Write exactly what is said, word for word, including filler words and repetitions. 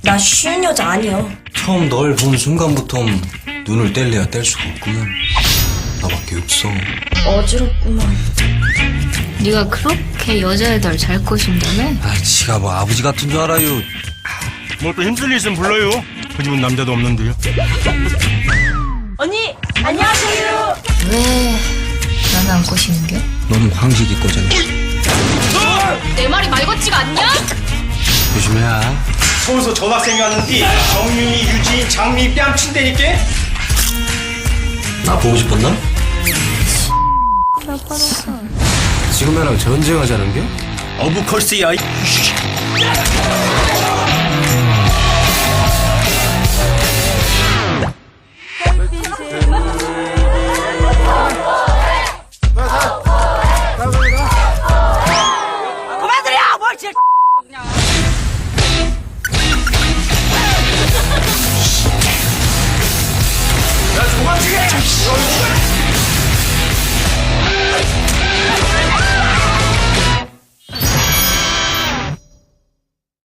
나 쉬운 여자 아니야. 처음 널 본 순간부터 눈을 뗄래야 뗄 수가 없구만. 나밖에 없어. 어지럽구만. 네가 그렇게 여자애들 잘 꼬신다며? 아, 지가 뭐 아버지 같은 줄 알아요. 뭐 또 힘쓸 일 있으면 불러요. 그 집은 남자도 없는데요. 언니, 안녕하세요. 왜 난 안 꼬시는 게? 너는 황식이 거잖아. 내 말이 말 같지가 않냐? 조심해야. 서울서 전학생이 왔는데 정윤이, 유진, 장미 뺨친다니까? 나 보고 싶었나? 지금 나랑 전쟁하자는 게? 어부컬스야. 그만들여! 뭘 지... 야, 조만지게!